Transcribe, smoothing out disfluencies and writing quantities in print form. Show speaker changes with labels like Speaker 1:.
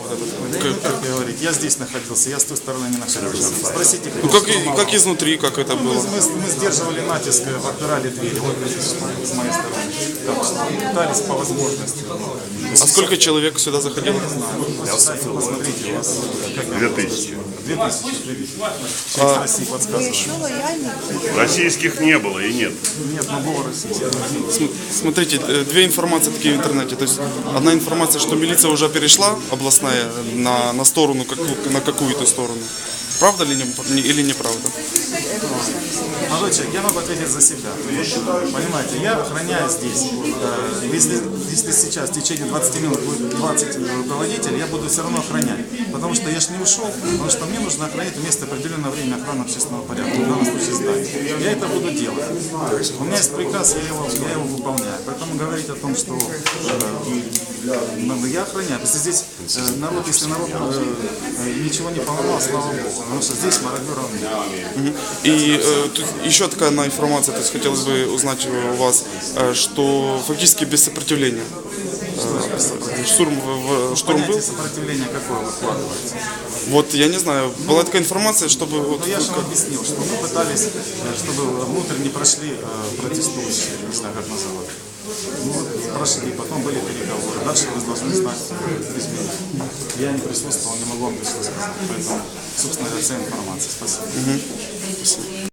Speaker 1: Как говорить, я здесь находился, я с той стороны не находился. Спросите,
Speaker 2: Ну,
Speaker 1: кто
Speaker 2: как изнутри, как это было?
Speaker 1: мы сдерживали натиск, отпирали двери, вот с моей стороны. Так что пытались по возможности.
Speaker 2: А сколько человек сюда заходило?
Speaker 1: Посмотрите, у вас
Speaker 3: 2000.
Speaker 1: 2000. Через России подсказывает.
Speaker 4: Еще лояльнее.
Speaker 3: Российских не было и нет.
Speaker 1: Нет, но было российское.
Speaker 2: Смотрите, две информации такие в интернете. То есть одна информация, что милиция уже перешла, областная, на сторону, на какую-то сторону. Правда или неправда?
Speaker 1: Молодой человек, я могу ответить за себя. Понимаете, я охраняю здесь. Если сейчас в течение 20 минут будет 20 руководителей, я буду все равно охранять. Потому что я же не ушел, потому что мне нужно охранять вместо определенного времени охраны общественного порядка. В данном случае здание. Я это буду делать. У меня есть приказ, я его выполняю. Поэтому говорить о том, что я охраняю. Если здесь народ ничего не поломал, слава Богу. Потому что здесь мародеров нет.
Speaker 2: И тут еще такая одна информация, то есть хотелось бы узнать у вас, что фактически без сопротивления. Штурм
Speaker 1: Понятие
Speaker 2: был.
Speaker 1: сопротивления какое вы вкладываете?
Speaker 2: Вот я не знаю, была такая информация, чтобы вот,
Speaker 1: Но я же вам объяснил, что мы пытались, чтобы внутрь не прошли протестующие, не знаю как называть. Ну вот прошли, потом были переговоры. Дальше вы должны знать изменения. Я не присутствовал, не могу вам точно сказать. Поэтому, собственно, вся информация. Спасибо.